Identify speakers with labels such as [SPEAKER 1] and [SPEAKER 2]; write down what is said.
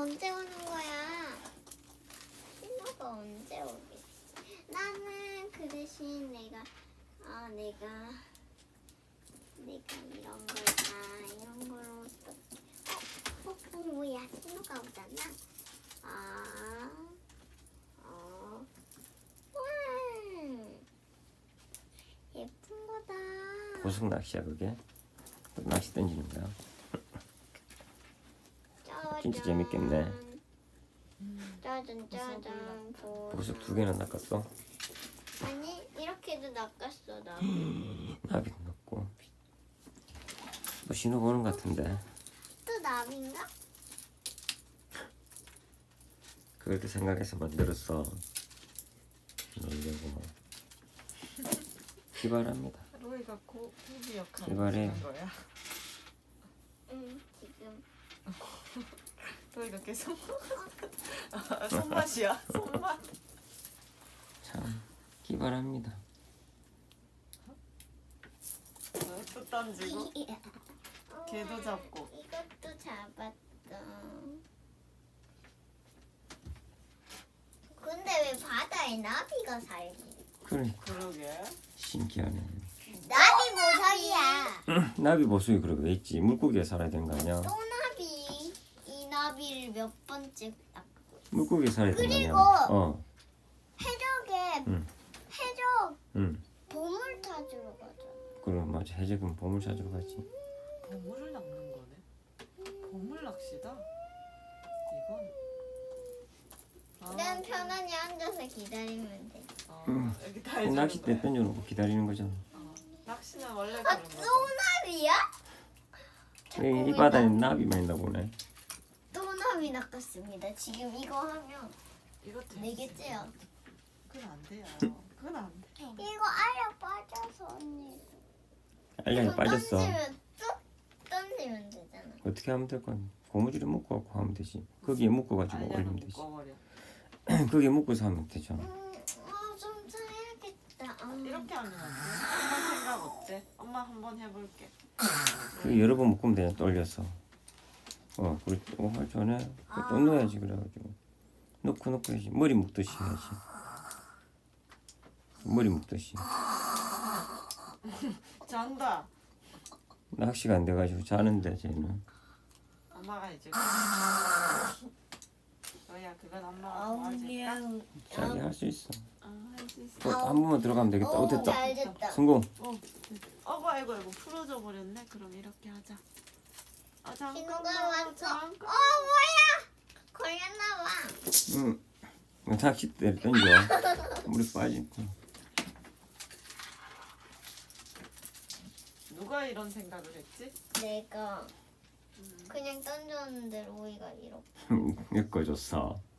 [SPEAKER 1] 언제 오는 거야? 신호가 언제 오겠지? 나는 그 대신 내가 이런 걸 이런 걸로 또 뭐야? 신호가 오잖아. 와, 예쁜 거다.
[SPEAKER 2] 고속 낚시야 그게? 또 낚시 던지는 거야? 진짜 재밌겠네.
[SPEAKER 1] 짜잔.
[SPEAKER 2] 고속 2개나 낚았어?
[SPEAKER 1] 아니 이렇게도 낚았어 나.
[SPEAKER 2] 나비도 낚고. 뭐 신호 보는 것 같은데.
[SPEAKER 1] 또 나비인가?
[SPEAKER 2] 그렇게 생각해서 만들었어. 놀려고. 기발합니다.
[SPEAKER 3] 로이가 고기 역할을
[SPEAKER 2] 기발해.
[SPEAKER 3] 하는 거야.
[SPEAKER 1] 응 지금.
[SPEAKER 3] 로이가 계속 손맛이야. 손맛.
[SPEAKER 2] 참 기발합니다.
[SPEAKER 3] 또 던지고 걔도 잡고.
[SPEAKER 1] 이것도 잡았어. 근데 왜 바다에 나비가 살지?
[SPEAKER 2] 그래
[SPEAKER 3] 그러게.
[SPEAKER 2] 신기하네.
[SPEAKER 1] 나비 모서리야.
[SPEAKER 2] 나비 보수이 그러고 왜 있지? 물고기에 살아야 되는 거 아니야?
[SPEAKER 1] 또 나비. 이 나비를 몇 번째 낚고.
[SPEAKER 2] 물고기에 살아야 되는 거
[SPEAKER 1] 그리고
[SPEAKER 2] 아니야?
[SPEAKER 1] 해적에
[SPEAKER 2] 응.
[SPEAKER 1] 해적
[SPEAKER 2] 응.
[SPEAKER 1] 보물 찾으러 가자.
[SPEAKER 2] 그럼 맞아. 해적은 보물 찾으러 가지.
[SPEAKER 3] 보물을 낚는 거네. 보물 낚시다. 이건.
[SPEAKER 1] 난 편안히 앉아서 기다리면 돼.
[SPEAKER 3] 여기 다 해주는
[SPEAKER 2] 낚싯대
[SPEAKER 3] 거야.
[SPEAKER 2] 던져놓고 기다리는 거잖아.
[SPEAKER 3] 낚시는 원래
[SPEAKER 1] 아,
[SPEAKER 3] 그런
[SPEAKER 1] 또
[SPEAKER 3] 거.
[SPEAKER 1] 나비야?
[SPEAKER 2] 이 바다에 나비만 있나 보네.
[SPEAKER 1] 또 나비 낚았습니다. 지금 이거 하면
[SPEAKER 3] 이것도
[SPEAKER 1] 4개째야.
[SPEAKER 3] 그건 안 돼요. 그건 안 돼.
[SPEAKER 1] 이거 알약 빠져서 언니.
[SPEAKER 2] 알약이
[SPEAKER 1] 이거
[SPEAKER 2] 빠졌어.
[SPEAKER 1] 던지면 뚝 던지면 되잖아.
[SPEAKER 2] 어떻게 하면 될 거니? 고무줄에 묶어갖고 하면 되지. 거기에 묶어가지고
[SPEAKER 3] 알약은
[SPEAKER 2] 올리면 되지.
[SPEAKER 3] 묶어버려.
[SPEAKER 2] 거기에 묶어서 하면 되죠.
[SPEAKER 1] 좀 사야겠다.
[SPEAKER 3] 이렇게 하면 안 돼? 엄마 생각 어때? 엄마 한번 해볼게.
[SPEAKER 2] 그 여러 번 묶으면 되냐 또 올려서. 그리고 또 할 전에 또 넣어야지. 그래가지고 넣고 해야지. 머리 묶듯이 해야지. 머리 묶듯이.
[SPEAKER 3] 잔다.
[SPEAKER 2] 낚시가 안 돼가지고 자는데 쟤는.
[SPEAKER 3] 엄마가 이제. 너야 그건 엄마가 도와줄까?
[SPEAKER 2] 자기 할 수 있어.
[SPEAKER 3] 할 수 있어.
[SPEAKER 2] 또 한 번만 들어가면 되겠다. 됐다.
[SPEAKER 1] 잘 됐다.
[SPEAKER 2] 성공.
[SPEAKER 3] 아이고 풀어져 버렸네. 그럼 이렇게 하자.
[SPEAKER 1] 신호가
[SPEAKER 3] 잠깐만.
[SPEAKER 1] 왔어. 뭐야? 걸렸나 봐.
[SPEAKER 2] 응. 낚싯대 던져. 물이 빠지고.
[SPEAKER 3] 누가 이런 생각을 했지?
[SPEAKER 1] 내가 그냥 던졌는데 로이가 이렇게.
[SPEAKER 2] 엮어줬어.